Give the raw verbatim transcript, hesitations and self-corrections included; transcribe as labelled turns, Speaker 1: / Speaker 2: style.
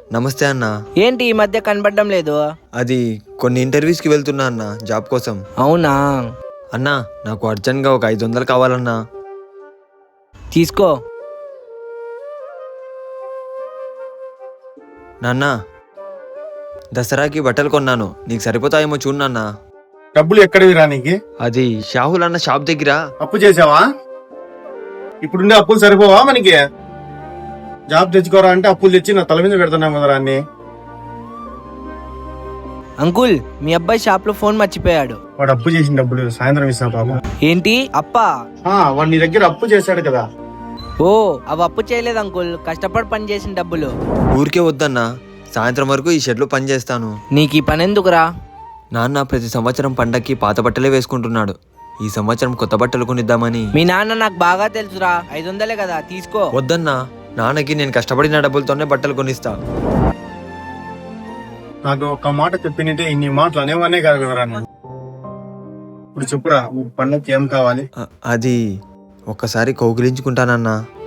Speaker 1: నమస్తే అన్న.
Speaker 2: ఏంటి ఈ మధ్య కనబడడం లేదు?
Speaker 1: అది కొన్ని ఇంటర్వ్యూస్కి వెళ్తున్నా అన్న, జాబ్ కోసం.
Speaker 2: అవునా?
Speaker 1: అన్నా నాకు అర్జెంట్గా ఒక ఐదు వందలు కావాలన్నా.
Speaker 2: తీసుకో.
Speaker 1: నాన్న, దసరాకి బట్టలు కొన్నాను, నీకు సరిపోతాయేమో చూడు నాన్న.
Speaker 3: డబ్బులు ఎక్కడివి రా నీకు?
Speaker 1: అది షాహుల్ అన్న షాప్ దగ్గర.
Speaker 3: అప్పు చేసావా? ఇప్పుడుండే అప్పులు సరిపోవా మనకి? జాబ్ తెచ్చుకోరా అంటే అప్పులు తెచ్చి నా తల మీద పెడుతున్నాం కదా అన్ని.
Speaker 2: అంకుల్, మీ అబ్బాయి షాప్ లో ఫోన్ మర్చిపోయాడు.
Speaker 3: వాడు అప్పు చేసిన డబ్బులు సాయంత్రం ఇస్తా పాపం.
Speaker 2: ఏంటి అప్పా?
Speaker 3: ఆ, వాడు నీ దగ్గర అప్పు చేశాడు కదా.
Speaker 2: ఓ, అవి అప్పు చేయలేదు అంకుల్, కష్టపడి పని చేసిన డబ్బులు.
Speaker 1: ఊరికే వద్దన్నా, సాయంత్రం వరకు ఈ షెడ్లో పని చేస్తాను.
Speaker 2: నీకు ఈ పని ఎందుకురా?
Speaker 1: నాన్న ప్రతి సంవత్సరం పండక్కి పాత బట్టలే వేసుకుంటున్నాడు. ఈ సంవత్సరం కొత్త బట్టలు కొనిద్దామని.
Speaker 2: మీ నాన్న నాకు బాగా తెలుసురా, ఐదు వందలే కదా, తీసుకో.
Speaker 1: వద్దన్నా, నాన్నకి నేను కష్టపడిన డబ్బులతోనే బట్టలు కొనిస్తా.
Speaker 3: నాకు ఒక మాట చెప్పినట్టే ఇన్ని మాటలు అనేవనే కాదు కదరా నువ్వు. ఇప్పుడు చెప్పురా, పండగకి ఏం కావాలి?
Speaker 1: అ- అది ఒక్కసారి కౌగిలించుకుంటానన్నా.